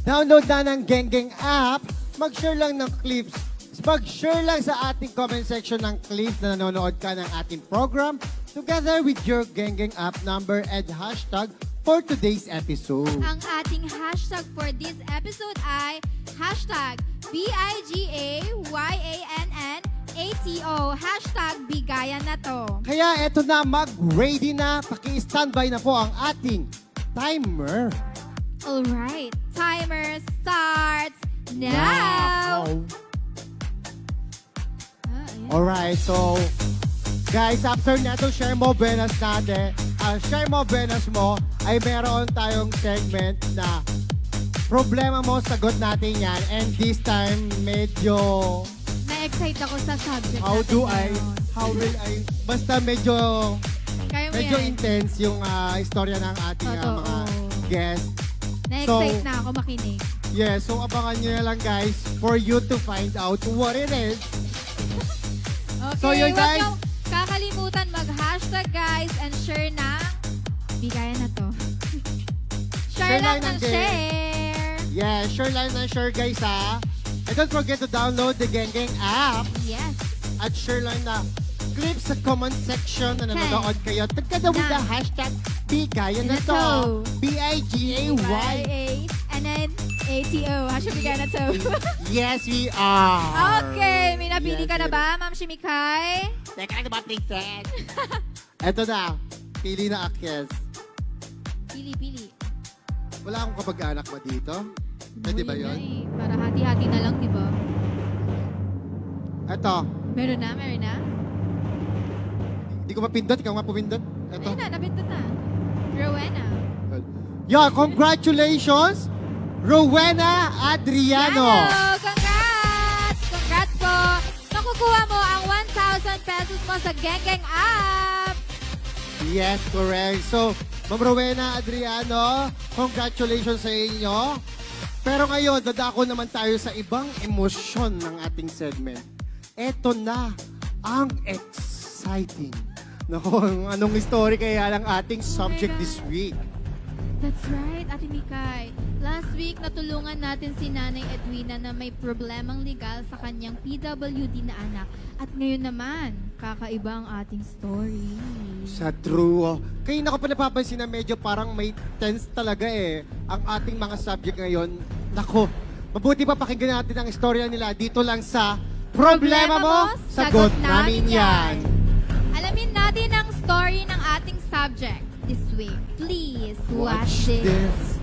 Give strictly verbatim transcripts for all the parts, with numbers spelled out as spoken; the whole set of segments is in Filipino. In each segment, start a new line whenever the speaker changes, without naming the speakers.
Download na ng Genggeng app, mag-share lang ng clips, mag-share lang sa ating comment section ng clips na nanonood ka ng ating program together with your Genggeng app number and hashtag for today's episode.
Ang ating hashtag for this episode ay hashtag B I G A Y A N N A T O. Hashtag bigayan na to.
Kaya eto na, mag-ready na, paki-standby na po ang ating timer.
Alright, timer starts now!
Wow.
Ah, ayan.
Alright, so guys, after nato share mo buenas natin, uh, share mo buenas mo, ay meron tayong segment na problema mo, sagot natin yan. And this time, medyo
Na-excite ako sa subject
how
natin
do I,
ngayon.
how will I, basta medyo,
Kaya mo
medyo
yan.
intense yung uh, istorya ng ating uh,
Totoo.
mga guests.
Na-excite
So-
na ako makinig.
Yeah, so abangan nyo na lang guys for you to find out what it is.
Okay,
So, yun,
huwag
guys.
niyong kakalimutan mag-hashtag guys and share na bigayan na to. share,
Share
lang
lang
ng
ng game.
share.
Yeah, share lang na share guys ha. And don't forget to download the Genggeng app
Yes.
at share lang na clips sa comment section na nanonood kayo. Together with the
Na.
hashtag Bigayan na
Na
to.
to.
B I G A Y.
Y A and then A T O. Hashtag bigayan na to.
Yes, we are.
Okay, may napili
Yes,
ka na
we
ba, Ma'am Shimikay?
Teka lang ba, Princess? Eto na. Pili na Akyes.
Pili, pili.
Wala akong kapag-anak ba dito? Pwede ba
Uy,
yun?
eh. Para hati-hati na lang, di ba?
Eto.
Meron na, meron na.
Hindi ko mapindot. Ikaw nga pumindot. Eto.
Ayun na, napindot na. Rowena.
Yeah, congratulations, Rowena Adriano.
Yano! Congrats! Congrats po! Makukuha mo ang one thousand pesos mo sa Genggeng app!
Yes, correct. So, Ma'am Rowena Adriano, congratulations sa inyo. Pero ngayon, dadako naman tayo sa ibang emosyon ng ating segment. Eto na ang exciting. Naku, anong story kaya ng ating subject
God.
this week?
That's right, Ate Mikay. Last week, natulungan natin si Nanay Edwina na may problemang legal sa kanyang P W D na anak. At ngayon naman, kakaiba ang ating story.
Sa true. Oh. Kaya na ko pa napapansin na medyo parang may tense talaga eh. Ang ating mga subject ngayon. Nako, mabuti pa pakinggan natin ang istorya nila dito lang sa Problema Mo, Sagot Namin Yan.
Alamin natin ang story ng ating subject this week. Please watch, this.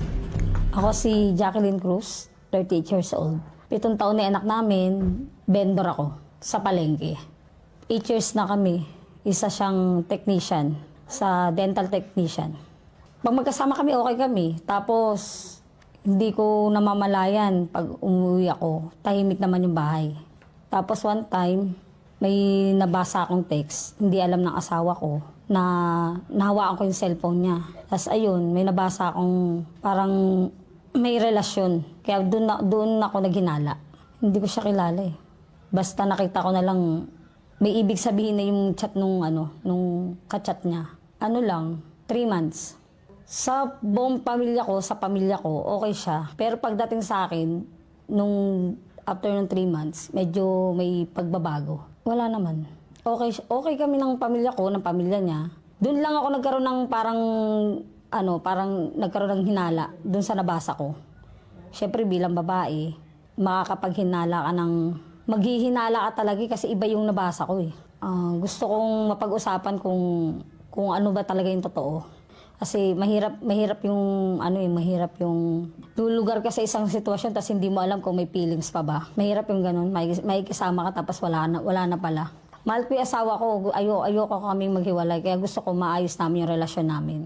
Ako si Jacqueline Cruz, thirty-eight years old. Pitong taon na anak namin, vendor ako sa palengke. Eight years na kami, isa siyang technician, sa dental technician. Pag magkasama kami, okay kami. Tapos, hindi ko namamalayan pag umuwi ako, tahimik naman yung bahay. Tapos one time, may nabasa akong text, hindi alam ng asawa ko, na nahawaan ko yung cellphone niya. Tapos ayun, may nabasa akong parang may relasyon. Kaya doon, na, doon ako naghinala. Hindi ko siya kilala eh. Basta nakita ko na lang, may ibig sabihin na yung chat nung, ano, nung kachat niya. Ano lang, three months. Sa buong pamilya ko, sa pamilya ko, okay siya. Pero pagdating sa akin, nung after ng three months, medyo may pagbabago. Wala naman. Okay, siya- okay kami ng pamilya ko, ng pamilya niya. Doon lang ako nagkaroon ng parang, ano, parang nagkaroon ng hinala doon sa nabasa ko. Siyempre bilang babae, makakapaghinala ka ng, maghihinala ka talaga eh, kasi iba yung nabasa ko eh. Ah, gusto kong mapag-usapan kung, kung ano ba talaga yung totoo. Kasi mahirap mahirap yung ano eh, mahirap yung lulugar ka sa isang sitwasyon tapos hindi mo alam kung may feelings pa ba. Mahirap yung ganun, may may kasama ka tapos wala na wala na pala. Mahal ko yung asawa ko, ayo ayoko kaming maghiwalay kaya gusto ko maayos namin yung relasyon namin.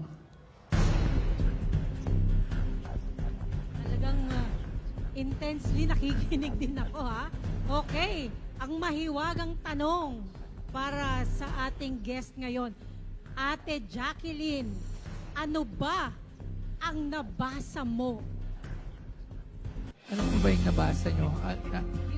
Talagang ah, intensely nakikinig din ako ha. Okay, ang mahiwagang tanong para sa ating guest ngayon. Ate Jacqueline, ano ba ang nabasa mo?
Ano po ba yung nabasa nyo? At, na,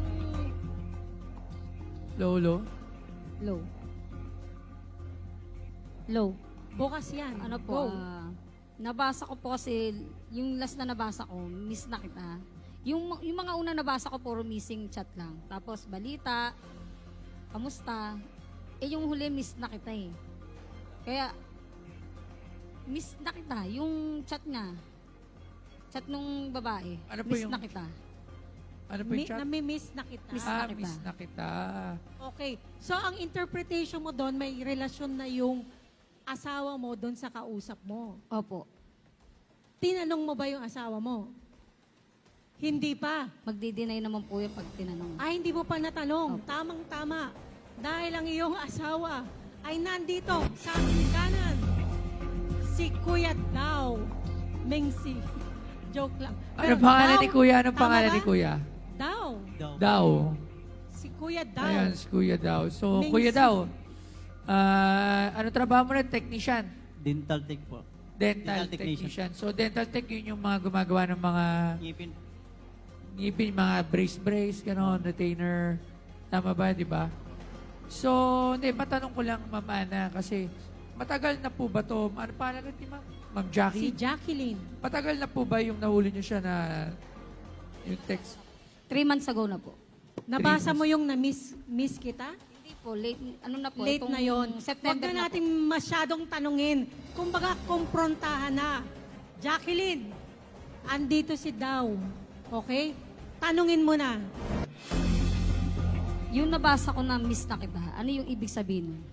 Lolo?
Low. Low.
Bukas yan.
Ano
Go.
po, ah, Nabasa ko po kasi, yung last na nabasa ko, miss na kita. Yung, yung mga una nabasa ko, puro missing chat lang. Tapos balita, kamusta. Eh yung huli, miss na kita eh. Kaya, miss na kita. Yung chat niya, chat nung babae,
Ano po
miss
yung-
na kita.
Ano po
Mi-
yung chat?
nami-miss na kita.
Miss
Ah,
na kita.
miss na kita.
Okay. So, ang interpretation mo doon, may relasyon na yung asawa mo doon sa kausap mo.
Opo.
Tinanong mo ba yung asawa mo? Hindi pa.
Magdi-deny naman po yung pag tinanong.
Ay, hindi mo pa natanong. Tamang-tama. Dahil ang iyong asawa ay nandito sa ating kanan. Si Kuya Daw Mengsi. Joke lang.
Ano
Pero
pangalan
Daw,
ni Kuya? Anong
tama
pangalan
ba?
ni Kuya?
Daw.
Daw.
Si Kuya Daw.
Ayan, si Kuya Daw. So,
Mingsi.
Kuya Daw, ah, ano trabaho mo rin? Technician?
Dental tech po.
Dental,
Dental technician.
technician. So, dental tech, yun yung mga gumagawa ng mga
Ngipin.
ngipin, mga brace-brace, gano'n, retainer. Tama ba, di ba? So, hindi, matanong ko lang, Ma'am Ana, kasi matagal na po ba to? Ano pangalan ni Ma'am? Ma'am
Si
Jackie?
Jacqueline.
Matagal na po ba yung nahuli niyo siya na yung text?
Three months ago na po.
Nabasa mo yung na-miss miss kita?
Hindi po, late, ano na po,
Late
itong
na yon. Huwag
September
na
na
natin masyadong tanungin. Kumbaga, kumprontahan na. Jacqueline, andito si Daw. Okay? Tanungin mo na.
po. Yung nabasa ko na miss na kita, ano yung ibig sabihin nun?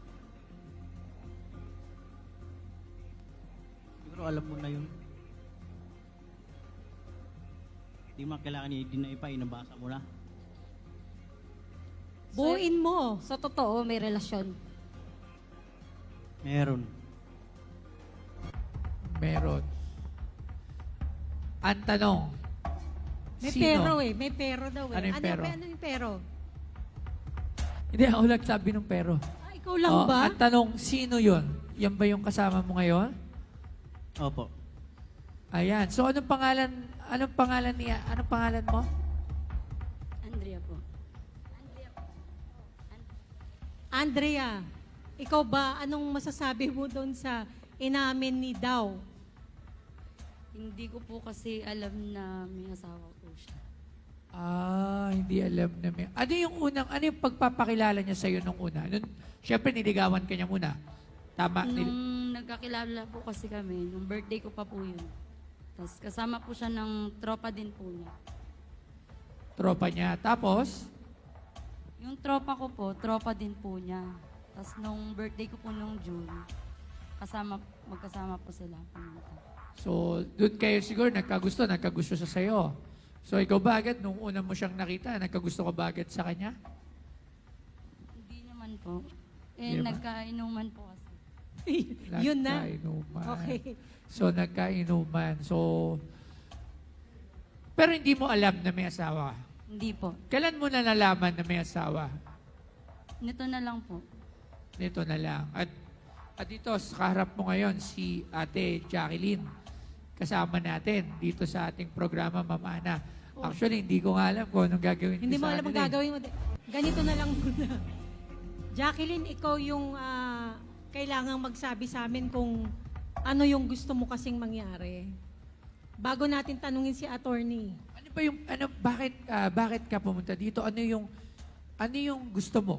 Siguro alam mo na yun. Di mo kailangan i-deny pa, inabasa mo na.
Buuin mo.
Sa totoo, may relasyon.
Meron.
Meron. Ang tanong,
May
sino?
pero eh. May pero daw eh.
Ano yung pero?
Ano yung pero?
Hindi ako nagsabi ng pero.
Ah, ikaw lang
Oh,
ba?
Ang tanong, sino yon? Yan ba yung kasama mo ngayon?
Opo.
Ayan. So, anong pangalan, anong pangalan niya? Anong pangalan mo?
Andrea po.
Andrea, ikaw ba, anong masasabi mo doon sa inamin ni Daw?
Hindi ko po kasi alam na may asawa po siya.
Ah, hindi alam na may... Ano yung unang, ano yung pagpapakilala niya sa'yo nung una? Nun, Siyempre, niligawan ka niya muna. Tama? Nil-
Nung nagkakilala po kasi kami, nung birthday ko pa po yun. Tapos kasama po siya ng tropa din po niya.
tropa niya. Tapos,
Yung tropa ko po, tropa din po niya. Tapos nung birthday ko po nung June, kasama, magkasama po sila pumunta.
so, doon kayo siguro nagkagusto, nagkagusto siya sa'yo. So, ikaw ba agad, nung una mo siyang nakita, nagkagusto ka ba agad sa kanya?
Hindi naman po. Eh,
Hindi naman.
nagkainuman po kasi.
Yun na.
Nagkainuman.
Okay.
So, nagkainuman. So, pero hindi mo alam na may asawa.
Hindi po.
Kailan mo na nalaman na may asawa?
Nito na lang po.
Nito na lang. At, at dito, sa kaharap mo ngayon, si Ate Jacqueline. Kasama natin dito sa ating programa, Ma'am Ana. Actually, hindi ko nga alam kung anong gagawin
Hindi
ko
mo
sa
alam ang
kanila eh.
gagawin mo. Ganito na lang muna. Jacqueline, ikaw yung ah, kailangang magsabi sa amin kung ano yung gusto mo kasing mangyari. Bago natin tanungin si attorney.
Ano ba yung, ano, bakit, ah, bakit ka pumunta dito? Ano yung, ano yung gusto mo?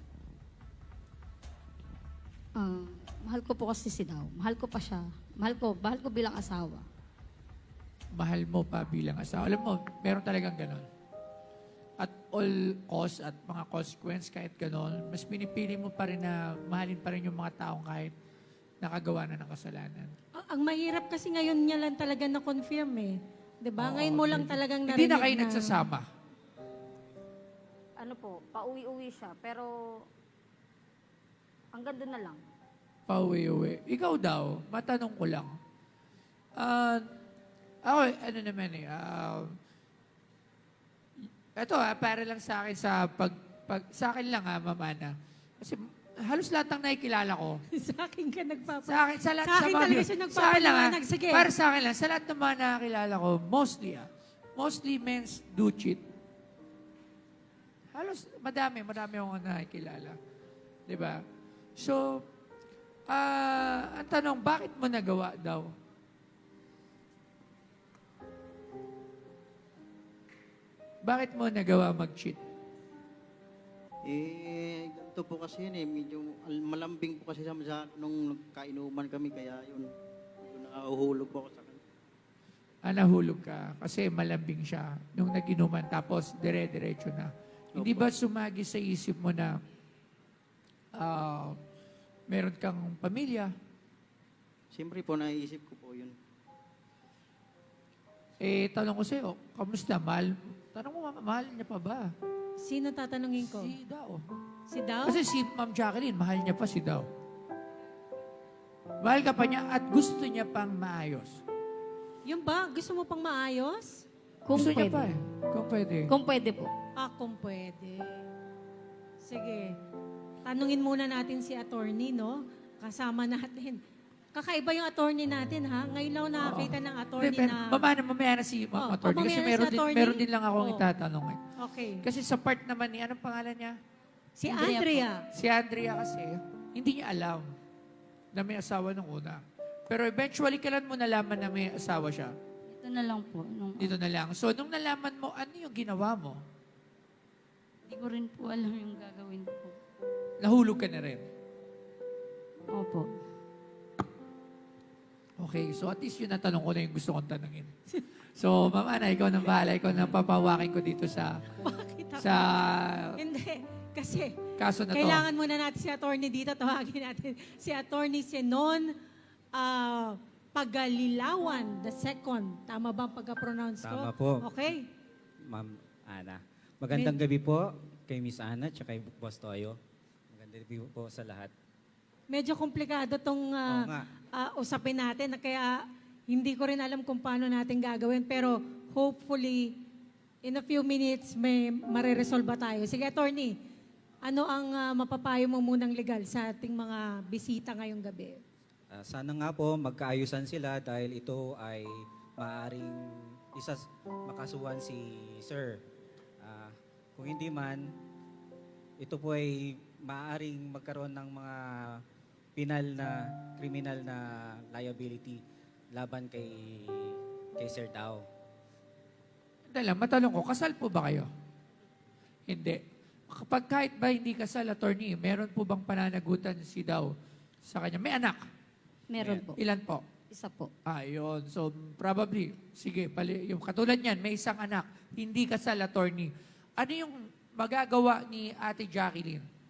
Ah, mahal ko po kasi si Daw. Mahal ko pa siya. Mahal ko, mahal ko bilang asawa.
Mahal mo pa bilang asawa. Alam mo, meron talagang ganon. At all cost at mga consequence, kahit ganon, mas pinipili mo pa rin na mahalin pa rin yung mga taong kahit nakagawa na ng kasalanan.
Ah, ang mahirap kasi ngayon niya lang talaga na-confirm eh. 'Di ba?
Oo,
Ngayon mo lang
hindi-
talagang
Hindi
narinig
na kayo nagsasama.
Ano po, pauwi-uwi siya. Pero, hanggang doon na lang.
Pauwi-uwi. Ikaw daw, matanong ko lang. Ah, ako, ano naman eh, ah, eto ah, para lang sa akin sa pag, pag sa akin lang ah, Ma'am Ana. Kasi halos lahat ng nakikilala ko,
sa akin ka nagpapa...
sa akin, sa lahat,
Sa akin
mga-
talaga siya
sa akin lang, ah,
nagpapaliwanag. Sige.
Para sa akin lang, sa lahat ng mga nakakilala ko, mostly ah, mostly men's do cheat. Halos, madami, madami akong nakikilala. Di ba? So, ah, ang tanong, bakit mo nagawa daw? Bakit mo nagawa mag-cheat?
Eh, ganito po kasi yun eh. Medyo al- malambing po kasi sa, sa nung nagkainuman kami. Kaya yun, medyo nakahulog po ako sa kanya.
Ah, nahulog ka kasi malambing siya nung nag-inuman tapos dire-diretso na. Hindi ba sumagi sa isip mo na ah, meron kang pamilya?
Siyempre po, naiisip ko po yun.
Eh, tanong ko sa'yo, kamusta? Mahal? Tanong mo, mahal niya pa ba?
Sino tatanungin ko?
Si Dao.
Si Dao?
Kasi si Ma'am Jacqueline, mahal niya pa si Dao. Mahal ka pa niya at gusto niya pang maayos.
Yung ba? Gusto mo pang maayos?
Kung
gusto niya
pwede.
pa eh. Kung pwede.
Kung pwede po.
Ah, kung pwede. Sige. Tanungin muna natin si attorney, no? Kasama natin. Kakaiba yung attorney natin, ha? Ngayon lang ako nakakita ng attorney
Hindi,
na...
pero mamaya na mamaya na si Ma'am
Oh,
Attorney.
oh,
Kasi
mamaya na
meron
si
din,
attorney.
meron din lang akong
Oh.
itatanong eh.
Okay.
Kasi sa part naman ni, anong pangalan niya?
Si
Andrea
Andrea.
Si Andrea kasi, hindi niya alam na may asawa nung una. Pero eventually, kailan mo nalaman na may asawa siya?
Ito na lang po. Nung,
Dito na lang. So, nung nalaman mo, ano yung ginawa mo?
Hindi ko rin po alam yung gagawin ko.
Nahulog ka na rin.
Opo.
Okay, so at least yun ang tanong ko na yung gusto kong tanongin. So, Ma'am Ana, ikaw nang bahala. Ikaw nang papawakin ko dito sa
Bakit ako?
sa
Hindi. Kasi
kaso na to.
kailangan muna natin si attorney dito. Tawagin natin si attorney Senon ah, Pagalilawan, the second. Tama ba ang pagka-pronounce ko?
Tama po.
Okay.
Ma'am Ana. Magandang gabi po kay Miss Ana at kay Boss Toyo. Magandang gabi po sa lahat.
Medyo komplikado tong ah,
Oo nga.
ah, usapin natin, na kaya hindi ko rin alam kung paano natin gagawin. Pero hopefully, in a few minutes, may mareresolba tayo. Sige, attorney, ano ang ah, mapapayo mo munang legal sa ating mga bisita ngayong gabi?
Ah, sana nga po magkaayusan sila dahil ito ay maaring isa makasuhan si Sir. Ah, kung hindi man, ito po ay maaring magkaroon ng mga penal na criminal na liability laban kay kay Sir Dao.
Dala, matanong ko, kasal po ba kayo? Hindi. Kapag kahit ba hindi kasal, attorney, meron po bang pananagutan si Daw sa kanya? May anak?
Meron po.
Ilan po?
Isa po.
Ah, yun. So, probably, sige, pali, yung katulad niyan, may isang anak, hindi kasal, attorney. Ano yung magagawa ni Ate Jacqueline?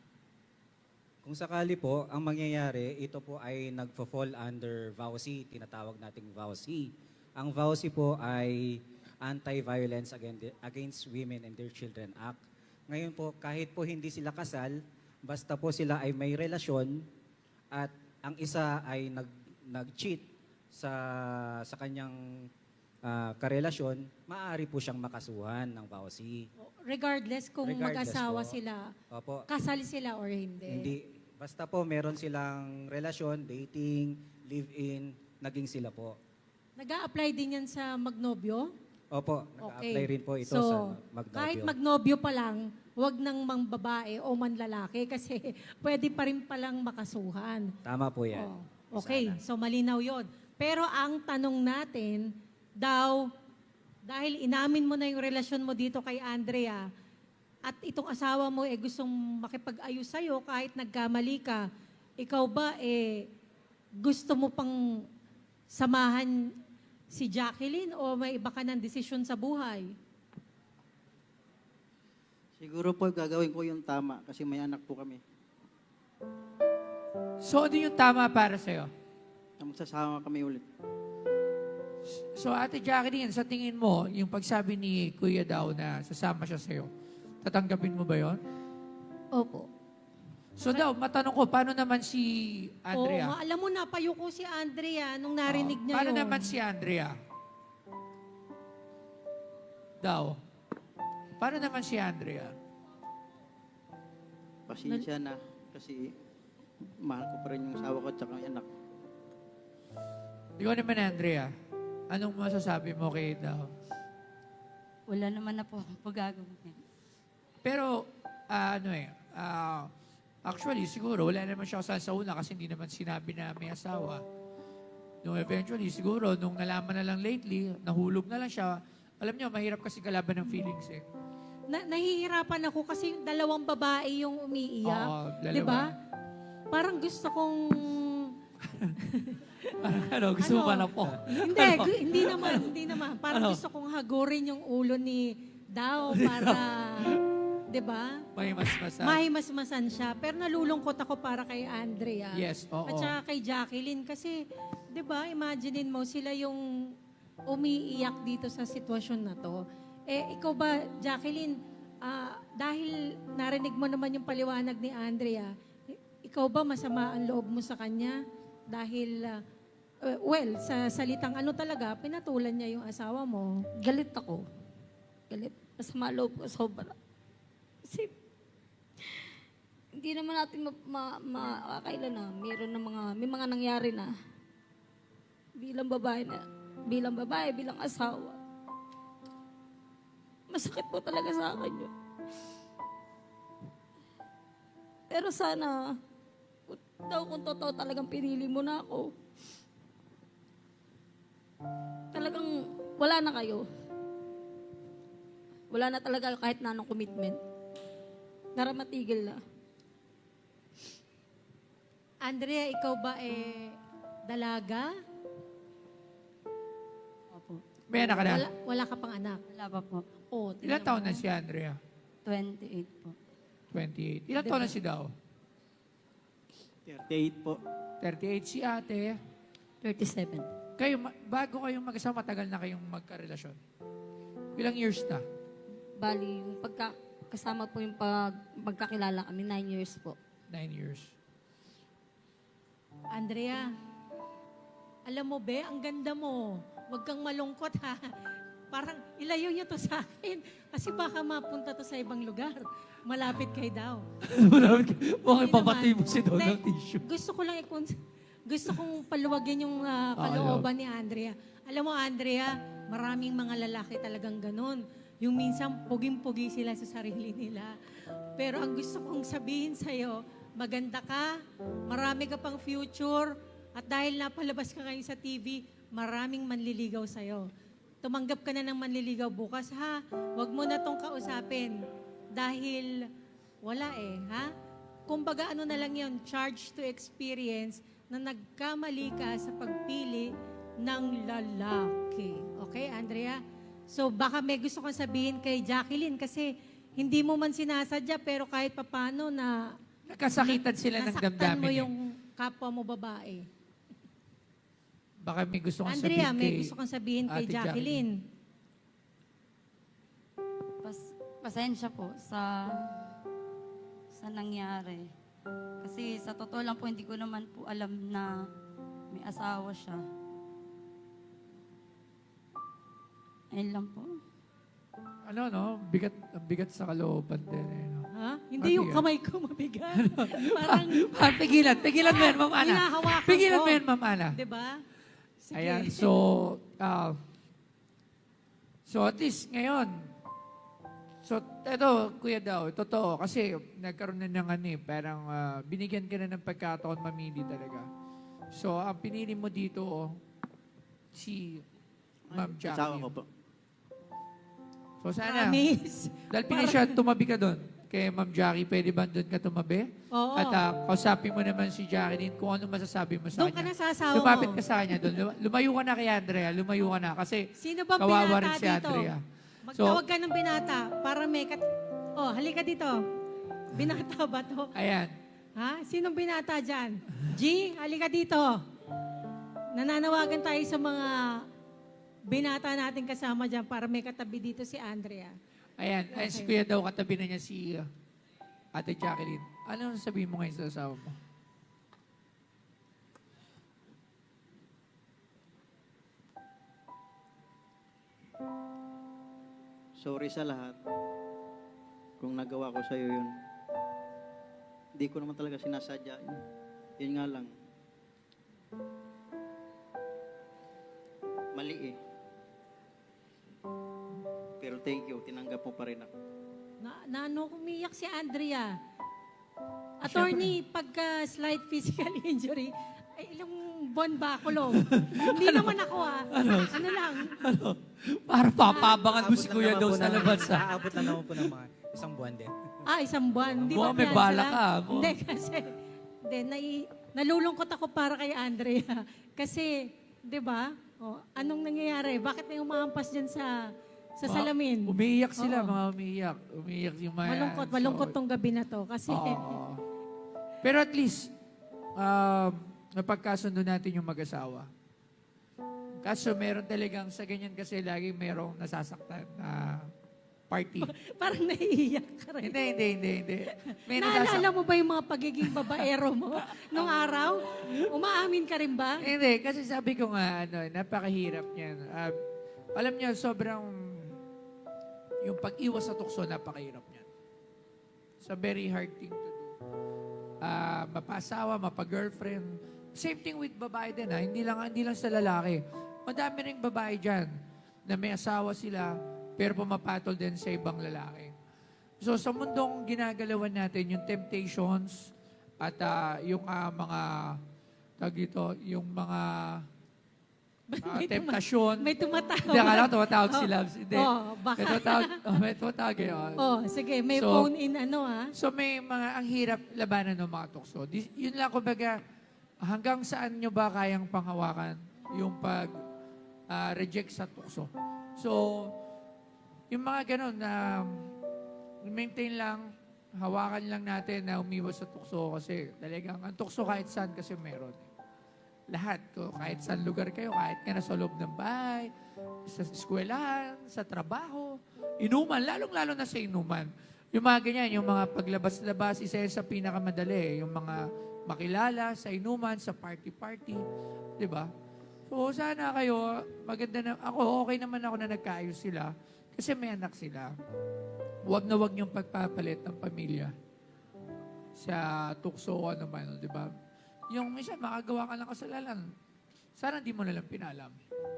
Kung sakali po, ang mangyayari, ito po ay nagfo-fall under V A U S I, tinatawag nating V A U S I. Ang V A U S I po ay Anti-Violence Against, Against Women and Their Children Act. Ngayon po, kahit po hindi sila kasal, basta po sila ay may relasyon at ang isa ay nag, nag-cheat sa, sa kanyang ah, karelasyon, maaari po siyang makasuhan ng V A U S I.
Regardless kung
Regardless
mag-asawa
po.
sila,
Opo.
kasal sila or hindi.
Hindi. Basta po meron silang relasyon, dating, live-in, naging sila po.
Nag-a-apply din yan sa magnobyo?
Opo, nag-apply rin po ito
so,
sa magnobyo.
kahit magnobyo pa lang, wag nang mang babae o man lalaki kasi pwede pa rin palang makasuhan.
Tama po yan.
Oh, okay,
Sana.
so malinaw yon. Pero ang tanong natin, daw, dahil inamin mo na yung relasyon mo dito kay Andrea, at itong asawa mo eh gustong makipag-ayos sa'yo kahit nagkamali ka, ikaw ba eh gusto mo pang samahan si Jacqueline o may iba ka ng desisyon sa buhay?
Siguro po gagawin ko yung tama kasi may anak po kami.
So, ano yung tama para sa'yo?
Na magsasama kami ulit.
So, Ate Jacqueline, sa tingin mo, yung pagsabi ni Kuya Daw na sasama siya sa'yo, tatanggapin mo ba yon?
Opo.
So daw, matanong ko, paano naman si Andrea?
Oo, nga, alam mo na, payuko si Andrea nung narinig
Oo.
niya
Paano
yun.
naman si Andrea? Daw. Paano naman si Andrea?
Pasensya na kasi mahal ko pa rin yung asawa ko at saka yung anak.
Ikaw naman, Andrea. Anong masasabi mo kay Daw?
Wala naman na po akong pagagawin.
Pero, ah, ano eh, ah, actually, siguro, wala naman siya kasal sa una kasi hindi naman sinabi na may asawa. Nung eventually, siguro, nung nalaman na lang lately, nahulog na lang siya, Alam nyo, mahirap kasi kalaban ng feelings eh.
Na, nahihirapan ako kasi dalawang babae yung umiiyak.
Oo, dalawa.
Di ba? Parang gusto kong...
ano, gusto mo
Ano?
ba na po?
Hindi, gu- hindi naman, hindi naman. Parang
Ano?
gusto kong hagurin yung ulo ni Dao para, 'di ba?
May mas masa.
Mahimasmasan siya. Pero nalulungkot ako para kay Andrea.
Yes, oo.
At saka kay Jacqueline kasi, 'di ba? Imaginein mo sila yung umiiyak dito sa sitwasyon na 'to. Eh ikaw ba, Jacqueline, ah, dahil narinig mo naman yung paliwanag ni Andrea, i- ikaw ba masama ang loob mo sa kanya dahil ah, Uh, well, sa salitang ano talaga, pinatulan niya yung asawa mo.
Galit ako. Galit. Masama loob ko sobra. Kasi hindi naman natin ma- ma- makakailan na meron na mga, may mga nangyari na bilang babae na, bilang babae, bilang asawa. Masakit po talaga sa akin yun. Pero sana, kung, daw kung totoo talagang pinili mo na ako, talagang wala na kayo. Wala na talaga kahit na anong commitment. Para matigil na.
Andrea, ikaw ba eh dalaga?
Opo.
May anak ka na?
Wala, wala ka pang anak.
Wala pa po.
Oh,
Ilan taon na si Andrea?
twenty-eight po.
twenty-eight. Ilan taon na si Dao?
thirty-eight po.
thirty-eight si ate.
thirty-seven.
Kayo, ma- bago kayong mag-asawa, matagal na kayong magkarelasyon. Ilang years na?
Bali, yung pagka, kasama po yung pag, pagkakilala kami, nine years po.
Nine years.
Andrea, alam mo be, ang ganda mo. Huwag kang malungkot ha. Parang ilayo niyo to sa akin. Kasi baka mapunta to sa ibang lugar. Malapit kay daw.
Mukhang
Hindi
ipapatay
naman.
mo si Don ng
Hindi,
tissue.
Gusto ko lang ikon gusto kong paluwagin yung ah, kalooban ni Andrea. Alam mo, Andrea, maraming mga lalaki talagang ganun. Yung minsan, puging-pugi sila sa sarili nila. Pero ang gusto kong sabihin sa'yo, maganda ka, marami ka pang future, at dahil napalabas ka ngayon sa T V, maraming manliligaw sa'yo. Tumanggap ka na ng manliligaw bukas, ha? Huwag mo na tong kausapin. Dahil wala eh, ha? Kumbaga ano na lang yun, charge to experience na nagkamali ka sa pagpili ng lalaki. Okay, Andrea? So baka may gusto kang sabihin kay Jacqueline kasi hindi mo man sinasadya pero kahit papano na
Nagkasakitan sila ng
nasaktan
damdamin.
mo
eh.
yung kapwa mo babae.
Baka may gusto kang
Andrea,
sabihin
may
kay
gusto kang sabihin kay
Ate
Jacqueline.
Pas, pasensya po sa sa nangyari. Kasi sa totoo lang po, hindi ko naman po alam na may asawa siya. Ayun lang po.
Ano, no? Bigat, ang bigat sa kalooban din. Eh, no?
Ha? Hindi yung
Mabigat.
kamay ko mabigat. Parang
Ah, pigilan, pigilan mo yan, Ma'am Ana.
hinahawakan
Pigilan
ko.
mo yan, Ma'am Ana.
'Di ba? Sige.
Ayan, so, ah, so at least ngayon, so, eto, Kuya Daw, totoo, kasi nagkaroon na ng ano eh, parang ah, binigyan ka na ng pagkataon mamili talaga. So, ang pinili mo dito, oh, si Ma'am
Asawa ko
Jacqueline.
po.
So, sana,
Promise.
dahil pinili siya, tumabi ka doon. Kay Ma'am Jackie, pwede ba doon ka tumabi?
Oo.
At ah, kausapin mo naman si Jacqueline kung ano masasabi mo sa
Doon ka
kanya.
na sa asawa
Lumapit
mo.
ka sa kanya doon. Luma- Lumayo ka na kay Andrea. Lumayo ka na. Kasi
Sino ba
kawawa
binata
rin si
dito?
Andrea.
Magtawag ka ng binata para may kat... Oh, halika dito. Binata ba to?
Ayan.
Ha? Sinong binata dyan? G, halika dito. Nananawagan tayo sa mga binata natin kasama dyan para may katabi dito si Andrea.
Ayan. Ayan si Kuya daw, katabi na niya si uh, Ate Jacqueline. Ano sabihin mo ngayon sa asawa mo?
Sorry sa lahat. Kung nagawa ko sa'yo yun. Hindi ko naman talaga sinasadya yun. Yun nga lang. Mali eh. Pero thank you, tinanggap mo pa rin ako.
Na, na ano, umiyak si Andrea. Attorney, pagka slight physical injury, Ay, ilang buwan ba ako, Long? Hindi naman ako, ah. Ano lang?
Para papabangan mo si
Aabot lang
Kuya
naman
daw
po
sa
ng-
labas, ha?
Aabot lang naman po ng mga isang buwan din.
Ah, isang buwan. Di
Buwan,
ba
may
fiancé
bala
lang?
ka, buwan.
Hindi, kasi, hindi, nai, nalulungkot ako para kay Andrea. Kasi, di ba, oh, anong nangyayari? Bakit may umaampas dyan sa sa
Mga-
salamin?
Umiiyak sila,
Oo.
mga umiiyak. Umiiyak yung mga...
Malungkot,
so,
malungkot tong gabi na to. Kasi,
Oo. Pero at least, um, napagkasundo natin yung mag-asawa. Kaso meron talagang sa ganyan kasi lagi merong nasasaktan na party.
parang naiiyak ka rin.
hindi, hindi, hindi, hindi. May
Naalala
nasasaktan.
mo ba yung mga pagiging babaero mo nung araw? Umaamin ka rin ba?
Hindi, kasi sabi ko nga, ano, napakahirap niyan. Ah, alam niyo, sobrang, yung pag-iwas sa tukso, napakahirap niyan. It's a very hard thing to do. Ah, mapa-asawa, mapa-girlfriend. Same thing with babae din, ha? Hindi lang, hindi lang sa lalaki. Madami ring babae dyan na may asawa sila, pero pumapatol din sa ibang lalaki. So, sa mundong ginagalawan natin, yung temptations at ah, yung ah, mga, tawag dito, yung mga ah,
May tuma-
temptasyon.
May tumatawa.
Hindi, akala ko tumatawag si Labs. Hindi.
Oh, baka.
May tumatawag, oh, may tumatawag eh. oh.
Oh, sige, may
So,
phone in ano ah.
So may mga, ang hirap labanan ng mga tukso. Di, yun lang, kumbaga, hanggang saan nyo ba kayang panghawakan yung pag ah, reject sa tukso. So, yung mga ganun na maintain lang, hawakan lang natin na umiwas sa tukso kasi talagang ang tukso kahit saan kasi meron. Lahat, ko, kahit saan lugar kayo, kahit nga nasa loob ng bahay, sa eskwelahan, sa trabaho, inuman, lalong-lalo na sa inuman. Yung mga ganyan, yung mga paglabas-labas, isa yan sa pinakamadali. Yung mga makilala sa inuman, sa party-party. Di ba? So, sana kayo, maganda na, ako, okay naman ako na nagkaayos sila kasi may anak sila. Huwag na huwag niyong pagpapalit ng pamilya sa tukso o ano man, di ba? Yung minsan, makagawa ka ng kasalanan. Sana hindi mo nalang pinalam.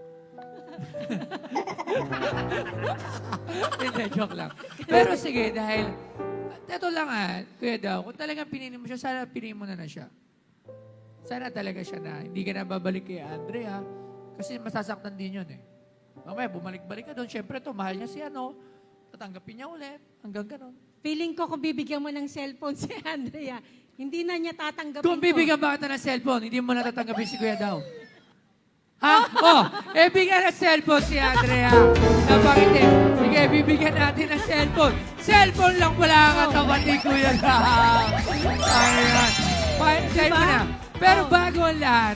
Hindi, joke lang. Pero sige, dahil, ito lang ah, kuya daw, kung talagang pinili mo siya, sana pinili mo na na siya. Sana talaga siya na, hindi ka na babalik kay Andrea, kasi masasaktan din yun eh. Mamaya, bumalik-balik ka doon, syempre to, mahal niya si ano, tatanggapin niya ulit, hanggang ganon.
Feeling ko kung bibigyan mo ng cellphone si Andrea, hindi na niya tatanggapin
Kung
to.
bibigyan ba kita ng cellphone, hindi mo natatanggapin si Kuya daw. Ha? Oh, eh, bigyan ng cellphone si Andrea. Napakiti. Sige, bibigyan natin ng cellphone. Cellphone lang pala ang katawan ni Kuya daw. Ayan. Fine, diba? Mo na. Pero bago ang lahat,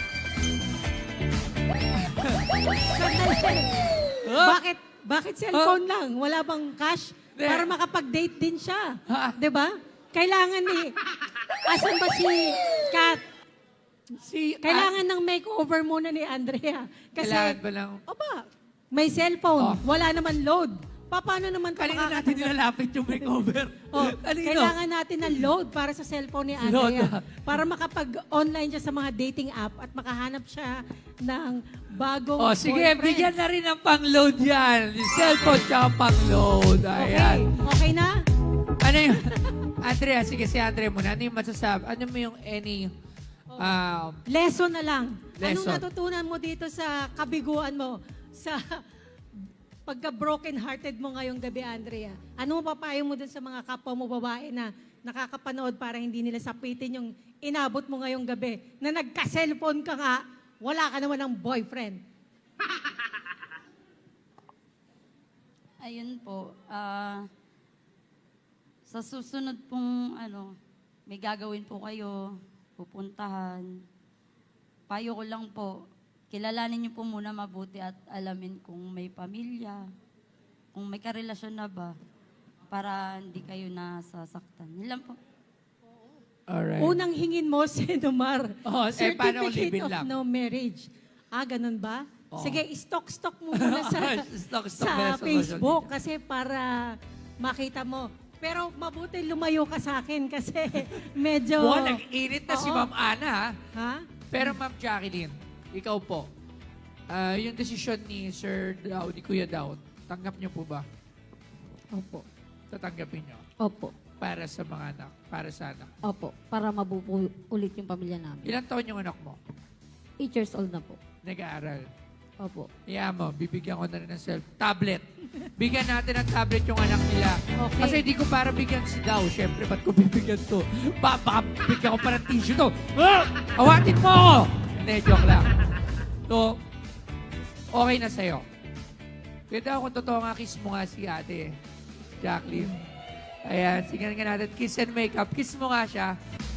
Sandali.
Oh.
Bakit? Bakit cellphone lang? Wala bang cash?
Hindi.
Para makapag-date din siya.
Ha?
'Di ba? Kailangan ni... Asan ba si Kat?
si...
Kailangan ng makeover muna ni Andrea. Kasi,
Kailangan ba lang...
oba, may cellphone.
Oh.
Wala naman load. Pa, paano naman ito
Kanina natin nilalapit yung makeover.
Oh,
Kanino?
kailangan natin ng load para sa cellphone ni
Load,
Andrea.
ah.
Para makapag-online siya sa mga dating app at makahanap siya ng bagong
Oh, sige,
boyfriend.
bigyan na rin ng pang-load yan. Yung cellphone tsaka pang-load.
Okay,
Ayan.
okay na?
Ano yung... Andrea, sige si Andrea muna. Ano yung masasabi? Ano mo yung any... Um,
Lesson na lang. Anong
Lesson.
natutunan mo dito sa kabiguan mo? Sa pagka-broken-hearted mo ngayong gabi, Andrea? Ano mo papayo mo dun sa mga kapwa mo babae na nakakapanood para hindi nila sapitin yung inabot mo ngayong gabi? Na nagka-cellphone ka nga, wala ka naman ng boyfriend.
Ayun po, ah, sa susunod pong ano, may gagawin po kayo, pupuntahan. Payo ko lang po, kilalanin niyo po muna mabuti at alamin kung may pamilya, kung may karelasyon na ba, para hindi kayo nasasaktan. Yun lang po.
alright.
Unang hingin mo, Senomar,
Oh, eh, paano kung
Certificate
live-in
of
lang?
No Marriage. Ah, ganun ba?
Oo.
Sige, stock-stock mo muna sa,
Stock-stock
sa
muna sa social
Facebook kasi para makita mo. Pero mabuti lumayo ka sa akin kasi medyo...
Buwan, nag-init na si
Oo.
Ma'am Ana, ha?
Ha?
Pero Ma'am Jacqueline, ikaw po, ah, yung desisyon ni Sir Daw, ni Kuya Daw, tanggap niyo po ba?
Opo.
Tatanggapin niyo?
Opo.
para sa mga anak, para sa anak.
Opo, para mabuo ulit yung pamilya namin.
Ilang taon yung anak mo?
eight years old na po.
Nag-aaral.
Opo.
Kaya mo, bibigyan ko na rin ng self tablet. Bigyan natin ng tablet yung anak nila.
Okay.
Kasi di ko para bigyan si Daw. Siyempre, ba't ko bibigyan to? Ba, baka bigyan ko pa ng tissue to. Ah! Awatin mo ako! Hindi, joke lang. So, okay na sa'yo. Kaya daw kung totoo nga, kiss mo nga si ate, Jacqueline. Ayan, sige nga natin. Kiss and makeup. Kiss mo nga siya.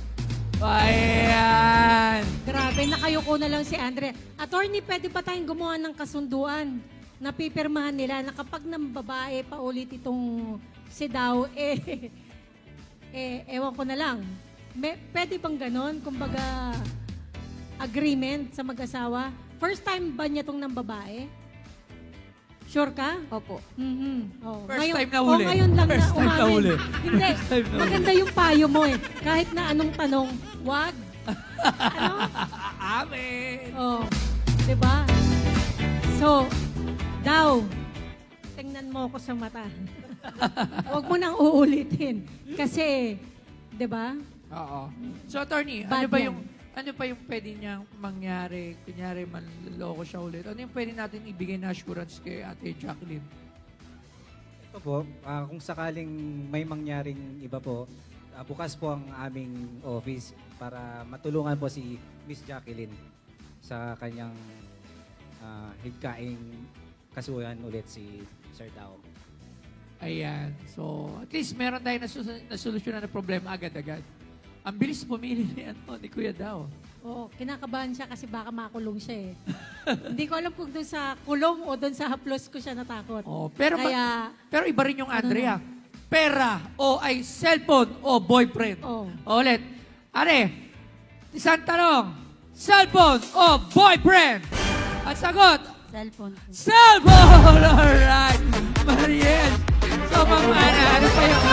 Ayan.
Grabe, nakayuko na lang si Andre. Attorney, pwede ba tayong gumawa ng kasunduan na pipirmahan nila na kapag ng babae pa ulit itong si Daw, eh, eh, ewan ko na lang. May, pwede bang ganon? Kumbaga, agreement sa mag-asawa? First time ba niya itong ng babae? Sure ka?
Opo.
Mhm. Oh.
First
ngayon,
time na
oh,
huli.
ngayon lang
First
na
time na
umamin.
huli.
Hindi.
First time na huli.
Maganda yung payo mo eh. Kahit na anong tanong, wag. Ano?
Amen.
Oh. Diba? So, Daw, tingnan mo ako sa mata. Huwag mo nang uulitin. Kasi, diba?
Oo. So, attorney,
Bad
ano ba
yan.
yung ano pa yung pwede niyang mangyari? Kunyari, manloloko siya ulit. Ano yung pwede natin ibigay na assurance kay Ate Jacqueline?
Ito po, ah, kung sakaling may mangyaring iba po, ah, bukas po ang aming office para matulungan po si Miss Jacqueline sa kanyang uh, higkaing kasuhan ulit si Sir Dao.
Ayan. So, at least meron tayong nasus- nasolusyonan na problema agad-agad. Ang bilis pumili ni, ano, ni Kuya Dao.
Oo, kinakabahan siya kasi baka makulong siya eh. Hindi ko alam kung doon sa kulong o doon sa haplos ko siya natakot.
Oh, pero, ma-
Kaya,
pero iba rin yung Andrea. Pera o ay cellphone o boyfriend.
Oh.
O, ulit. Are, isang tanong. Cellphone o boyfriend? At sagot,
Cellphone po.
cellphone! Alright. Mariel. So, Ma'am Ana, ano pa yung...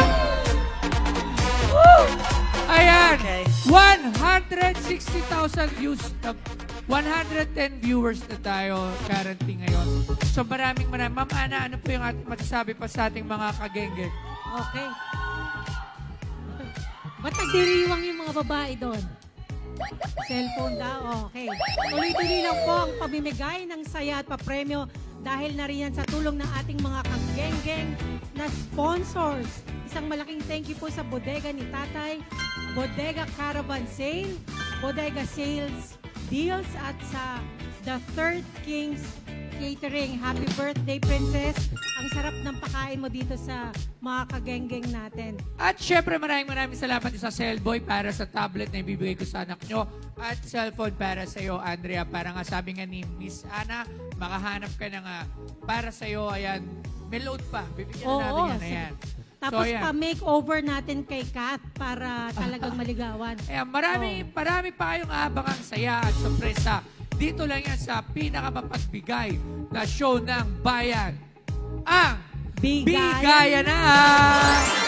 Woo! Ayan. one hundred sixty thousand views. na- one hundred ten viewers na tayo currently ngayon. So, maraming maraming. Ma'am Ana, ano po yung ating masasabi pa sa ating mga kagenge?
okay. Ba't nagdiriwang yung mga babae doon? Cellphone daw, okay. Tuloy-tuloy lang po ang pamimigay ng saya at papremyo dahil na rin yan sa tulong ng ating mga kagenggeng na sponsors. Isang malaking thank you po sa Bodega ni Tatay, Bodega Caravan Sale, Bodega Sales Deals at sa The Third Kings Catering. Happy birthday, Princess! Ang sarap ng pakain mo dito sa mga kagenggeng natin.
At syempre, maraming maraming salamat sa Cellboy para sa tablet na ibibigay ko sa anak nyo at cellphone para sa iyo, Andrea. Para nga sabi nga ni Miss Ana, makahanap ka na nga para sa iyo. Ayan, may load pa. Bibigyan na natin yan. Ayan.
Tapos
ayan.
pa-makeover natin kay Kath para talagang maligawan.
Ayan, marami, marami pa kayong abangang saya at sorpresa. Dito lang yan sa pinakamapagbigay na show ng bayan. Ang
Bigayan
Bigayan na!